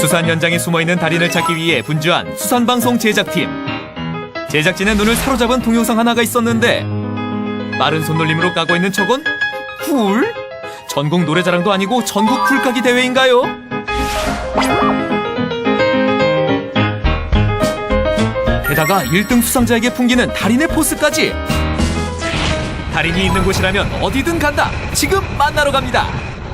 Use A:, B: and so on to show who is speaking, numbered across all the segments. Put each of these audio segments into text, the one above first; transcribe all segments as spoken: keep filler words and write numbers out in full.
A: 수산 현장에 숨어있는 달인을 찾기 위해 분주한 수산방송 제작팀. 제작진의 눈을 사로잡은 동영상 하나가 있었는데 빠른 손놀림으로 까고 있는 척은 굴? 전국 노래자랑도 아니고 전국 굴까기 대회인가요? 게다가 일 등 수상자에게 풍기는 달인의 포스까지. 달인이 있는 곳이라면 어디든 간다. 지금 만나러 갑니다.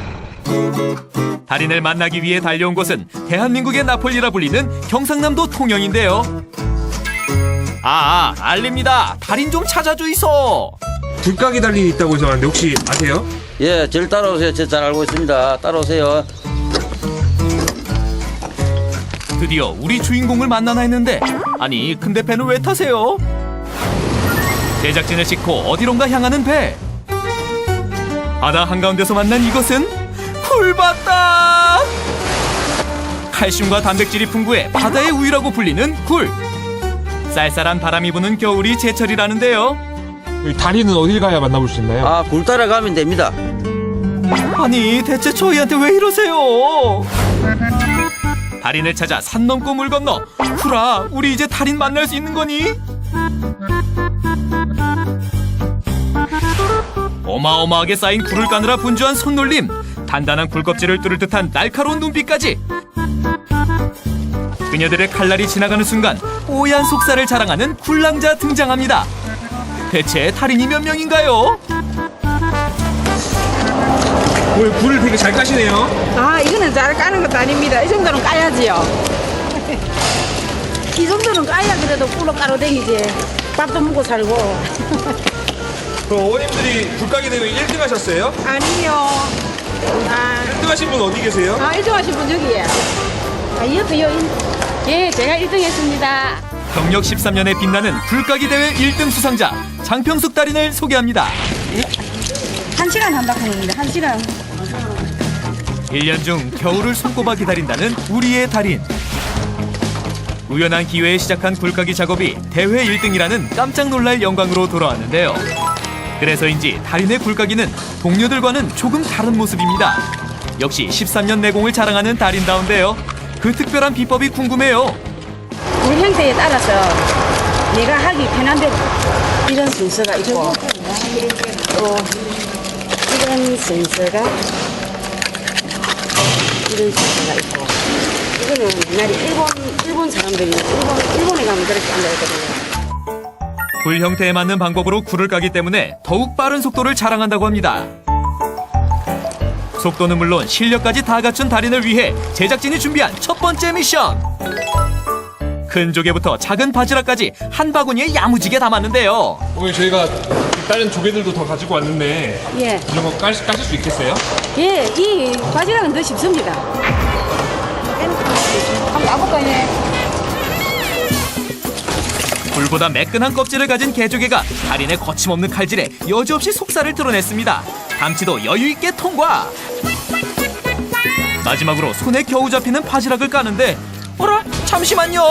A: 달인을 만나기 위해 달려온 곳은 대한민국의 나폴리라 불리는 경상남도 통영인데요. 아, 아 알립니다. 달인 좀 찾아주이소.
B: 굴까기 달인이 있다고 해서 왔는데 혹시 아세요?
C: 예, 저를 따라오세요. 저 잘 알고 있습니다. 따라오세요.
A: 드디어 우리 주인공을 만나나 했는데 아니 근데 배는 왜 타세요? 제작진을 싣고 어디론가 향하는 배. 바다 한가운데서 만난 이것은 굴바다. 칼슘과 단백질이 풍부해 바다의 우유라고 불리는 굴. 쌀쌀한 바람이 부는 겨울이 제철이라는데요.
B: 여기 달인은 어딜 가야 만나볼 수 있나요?
C: 아, 굴 따라가면 됩니다.
A: 아니 대체 저희한테 왜 이러세요? 달인을 찾아 산 넘고 물 건너. 굴아, 우리 이제 달인 만날 수 있는 거니? 어마어마하게 쌓인 굴을 까느라 분주한 손놀림, 단단한 굴껍질을 뚫을 듯한 날카로운 눈빛까지. 그녀들의 칼날이 지나가는 순간 뽀얀 속살을 자랑하는 굴랑자 등장합니다. 대체 달인이 몇 명인가요?
B: 오늘 굴을 되게 잘 까시네요.
D: 아, 이거는 잘 까는 것도 아닙니다. 이 정도는 까야지요. 이 정도는 까야 그래도 꿀로 까로 댕기지. 밥도 먹고 살고.
B: 그럼 어머님들이 굴까기 대회 일 등 하셨어요?
D: 아니요. 아,
B: 일 등 하신 분 어디 계세요?
D: 아 일 등 하신 분 저기에. 아, 이어도요. 예, 제가 일 등 했습니다.
A: 경력 십삼 년에 빛나는 굴까기 대회 일 등 수상자 장평숙 달인을 소개합니다.
D: 한 시간 한다고 하는데, 한 시간.
A: 일 년 중 겨울을 손꼽아 기다린다는 우리의 달인. 우연한 기회에 시작한 굴까기 작업이 대회 일 등이라는 깜짝 놀랄 영광으로 돌아왔는데요. 그래서인지 달인의 굴까기는 동료들과는 조금 다른 모습입니다. 역시 십삼 년 내공을 자랑하는 달인다운데요. 그 특별한 비법이 궁금해요.
D: 물 형태에 따라서 내가 하기 편한 대로 이런 순서가 있고, 또 이런 순서가 이런 순서가 있고, 이거는 옛날에 일본 일본 사람들이 일본 일본에 가면 그렇게 한다 했거든요.
A: 굴 형태에 맞는 방법으로 굴을 까기 때문에 더욱 빠른 속도를 자랑한다고 합니다. 속도는 물론 실력까지 다 갖춘 달인을 위해 제작진이 준비한 첫 번째 미션. 큰 조개부터 작은 바지락까지 한 바구니에 야무지게 담았는데요.
B: 오늘 저희가 다른 조개들도 더 가지고 왔는데
D: 예,
B: 이런 거 까실, 까실 수 있겠어요?
D: 예, 이 바지락은 더 쉽습니다. 한번 까볼까요? 예.
A: 굴보다 매끈한 껍질을 가진 개조개가 달인의 거침없는 칼질에 여지없이 속살을 드러냈습니다. 감치도 여유있게 통과! 마지막으로 손에 겨우 잡히는 바지락을 까는데 어라? 잠시만요!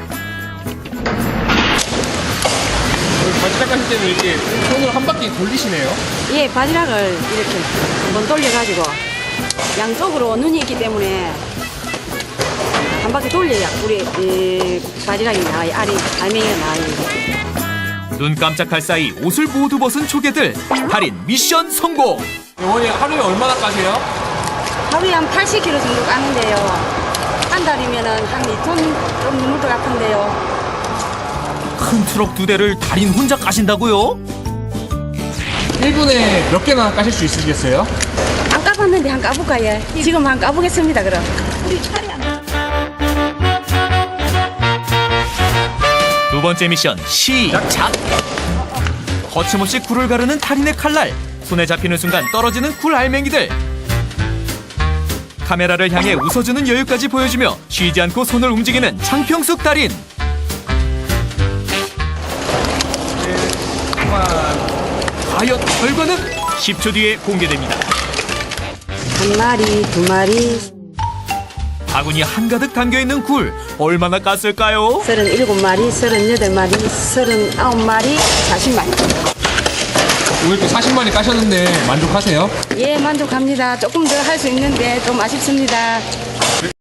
B: 바지락 까실 때는 이렇게 손으로 한 바퀴 돌리시네요.
D: 예, 바지락을 이렇게 한번 돌려가지고 양쪽으로 눈이 있기 때문에 한 바퀴 돌려야 우리 이 바지락이 나와요. 알이, 알맹이가 나와요.
A: 눈 깜짝할 사이 옷을 모두 벗은 조개들. 달인 미션 성공!
B: 어머니 하루에 얼마나 까세요?
D: 하루에 한 팔십 킬로그램 정도 까는데요. 한 달이면은 한 이 톤 좀 넘을 것 같은데요.
A: 큰 트럭 두 대를 달인 혼자 까신다고요?
B: 일 분에 몇 개나 까실 수 있으시겠어요?
D: 안 까봤는데 한 까볼까요? 지금 한 까보겠습니다. 그럼. 우리 차례 안
A: 두 번째 미션 시작! 거침없이 굴을 가르는 달인의 칼날. 손에 잡히는 순간 떨어지는 굴 알맹이들. 카메라를 향해 웃어주는 여유까지 보여주며 쉬지 않고 손을 움직이는 장평숙 달인. 과연 결과는 십 초 뒤에 공개됩니다.
D: 한 마리, 두 마리,
A: 바구니 한가득 담겨있는 굴 얼마나 깠을까요?
D: 서른일곱 마리, 서른여덟 마리, 서른아홉 마리, 사십 마리.
B: 오늘 또 사십 마리 까셨는데 만족하세요?
D: 예, 만족합니다. 조금 더 할 수 있는데 좀 아쉽습니다.